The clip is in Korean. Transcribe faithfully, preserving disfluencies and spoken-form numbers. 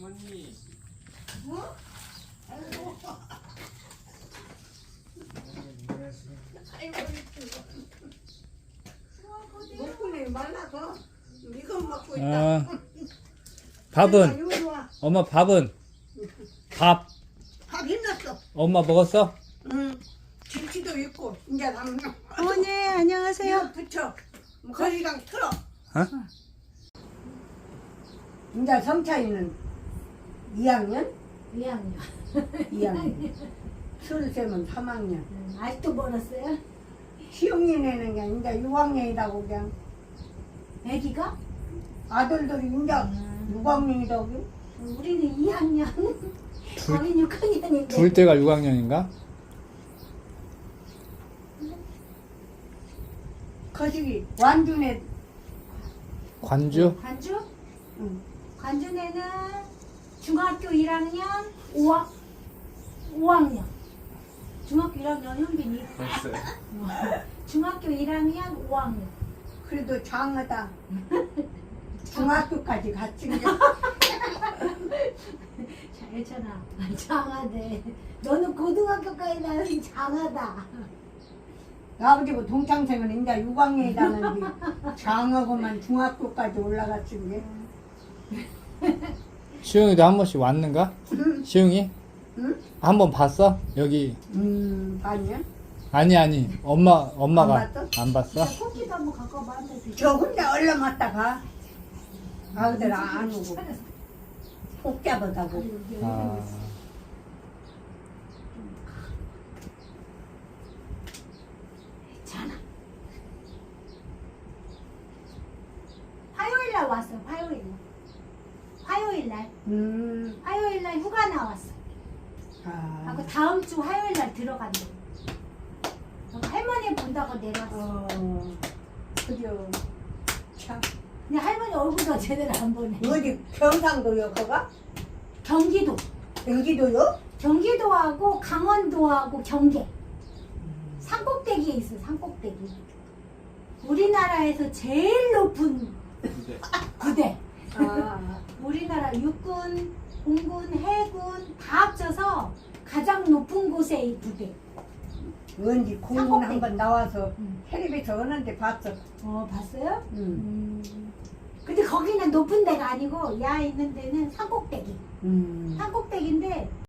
어머니. 어? 아이고. 아이고, 먹고는 말라서 이거 먹고 있다. 아, 밥은? 이리 와. 엄마 밥은? 밥 밥 힘났어. 엄마 먹었어? 응. 김치도 있고 이제 남는. 어머니 안녕하세요. 이거 붙여. 거기랑 틀어. 어? 이제 성차이는 이 학년? 이 학년. 이 학년. 술세면 삼 학년. 음, 아직도 멀었어요? 시흥이네는 그냥 이제 육 학년이라고 그냥. 애기가? 아들들이 이제 육 학년이라고. 우리는 이 학년. 거긴 육 학년인데. 둘 때가 육 학년인가? 거시기 완준에 관주? 관주? 응. 관주에는 중학교 일 학년 오 학, 오 학년. 중학교 일 학년 현빈이. 됐어요. 중학교 일 학년 오 학년. 그래도 장하다. 중학교까지 같이 그냥. 잘했잖아. 장하대. 너는 고등학교까지 나는 장하다. 아버지고 동창생은 이제 육 학년이라는 게 장하고만 중학교까지 올라갔지 그게. 시영이도 한 번씩 왔는가? 시영이? 응? 한 번 봤어? 여기 음, 아니야? 아니 아니 엄마 엄마가 안 봤어? 안 봤어? 코끼도 한번 갖고 와봐. 한대 드셔. 저 혼자 얼른 왔다 가. 아들 안 오고. 꼭 잡아다고. 아, 괜찮아. 화요일 날 왔어. 화요일 날. 화요일 날. 음, 화요일 날 휴가 나왔어. 아, 하고 다음 주 화요일 날 들어간대. 그래서 할머니 본다고 내려왔어. 어, 그죠. 참. 근데 할머니 얼굴도 제대로 안 보네. 어디 경상도요, 거가? 경기도. 여기도요? 경기도하고 강원도하고 경계. 산꼭대기에 있어. 산꼭대기. 우리나라에서 제일 높은 근데 부대. 아, 우리나라 육군, 공군, 해군 다 합쳐서 가장 높은 곳에 이 부대. 언제 공군 산꼭대기. 한번 나와서 음. 텔레비전 오는데 봤어. 어, 봤어요? 음. 음. 근데 거기는 높은 데가 아니고 야 있는 데는 산꼭대기. 음. 산꼭대기인데